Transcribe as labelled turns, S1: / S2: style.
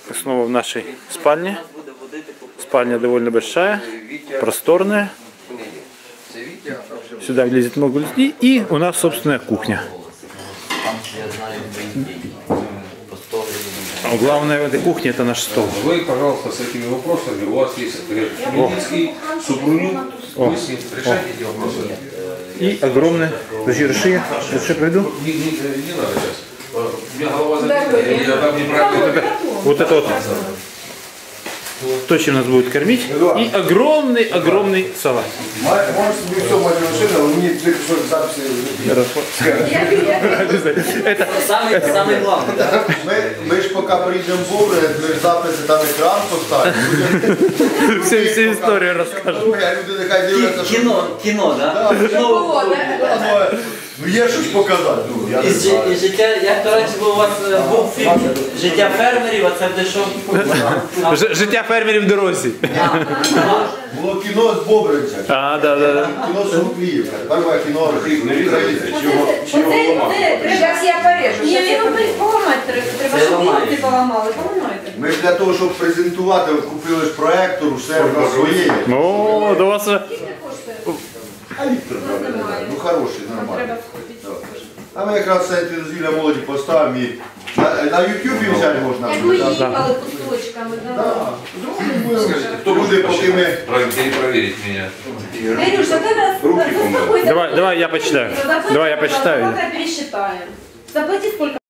S1: Снова в нашей спальне. Спальня довольно большая, просторная. Сюда влезет много людей. И у нас собственная кухня. А главное в этой кухне это наш стол.
S2: Вы, пожалуйста, с этими вопросами. У вас есть Хмельницкий, Супрунюк. Вы с ним решайте эти вопросы.
S1: И огромное. Подожди, реши, приду.
S2: Не надо сейчас. У меня голова забита, я там неправильно.
S1: Вот это вот. То, чем нас будут кормить. И огромный салат.
S3: Можешь себе все мать машина, но мне ты кусок записи.
S1: Это
S4: самый главный.
S3: Ми ж поки прийдемо в Бобри, ми ж записи там екран поставимо.
S1: всю историю расскажем.
S3: Люди нехай дивляться, що...
S4: Кіно, да?
S3: Ну є щось показати.
S4: І життя, як, до речі, у вас був фільм «Життя фермерів», а це де що?
S1: Життя фермерів в дорозі.
S3: Було кіно з Бобринця.
S1: А, да.
S3: Кіно з Рубліївка. Тепер моє кіно українське.
S5: Зараз я порежу. Ні, він поламати треба, щоб вілки поламали. Поламайте.
S3: Ми ж для того, щоб презентувати, купили ж проектор, все на своє.
S1: Ну, до вас вже...
S3: А Віктор, ну хороший, нормальний. А ми якраз центр дозвілля молоді поставимо і на Ютубі взяти можна.
S5: Як ми їхали кусочками.
S3: Люди, поки ми...
S2: Проверить меня.
S5: Кирюша, ты
S1: Давай я почитаю.
S5: Давай я почитаю. Пересчитаем. Заплати сколько?